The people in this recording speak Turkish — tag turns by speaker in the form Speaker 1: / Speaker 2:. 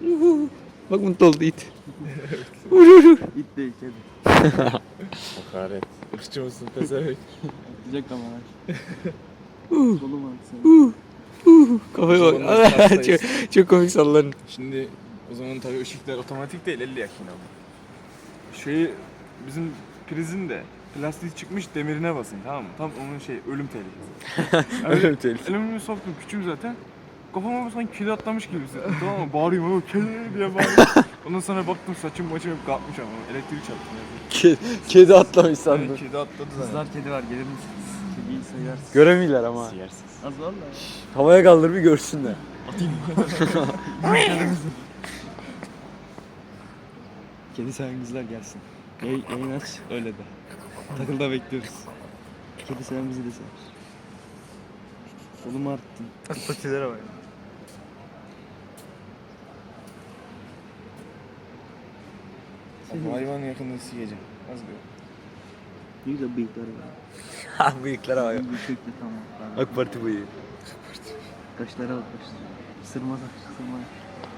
Speaker 1: Bak mutlu oldu it.
Speaker 2: İt değil kedi.
Speaker 3: Hakaret. Irkçı mısın pezevenk?
Speaker 2: Atacak kamera. Kolum var sen.
Speaker 1: Kafaya bak.
Speaker 3: Sonunda hastayız.
Speaker 1: çok komik sallanın.
Speaker 3: Şimdi o zaman tabii ışıklar otomatik değil 50 yakın ama. Şeyi bizim prizin de plastiği çıkmış demirine basın tamam mı? Tam onun ölüm tehlikesi.
Speaker 1: Ölüm tehlikesi.
Speaker 3: Elimi soktum küçüğüm zaten. Kafama sanki kedi atlamış gibi hissettim tamam mı? Bağırıyorum ama kedi diye bağırıyorum. Ondan sonra baktım saçım maçım hep kalkmış ama elektrik çarptı.
Speaker 1: Kedi atlamış sandım.
Speaker 3: Kedi atladı zaten.
Speaker 2: Kızlar kedi var gelir misiniz? Kediyi sayarsın.
Speaker 1: Göremiyorlar ama.
Speaker 3: Siyarsız.
Speaker 2: Az valla.
Speaker 1: Havaya kaldır bir görsünler.
Speaker 2: Kedi seven kızlar gelsin. Yayın aç öyle de. Takılda bekliyoruz. Kedi seven bizi de sever. Kolumu arttın.
Speaker 3: Patilere bak. Hayvan yakında siyeceğim. Az bir.
Speaker 2: Ne güzel bıyıkları var.
Speaker 1: Ha bıyıklara bak.
Speaker 2: Bıyıklı tamam.
Speaker 1: AK Parti bıyığı.
Speaker 2: Kaşlara bak kaşlara. Sırma saç sırma.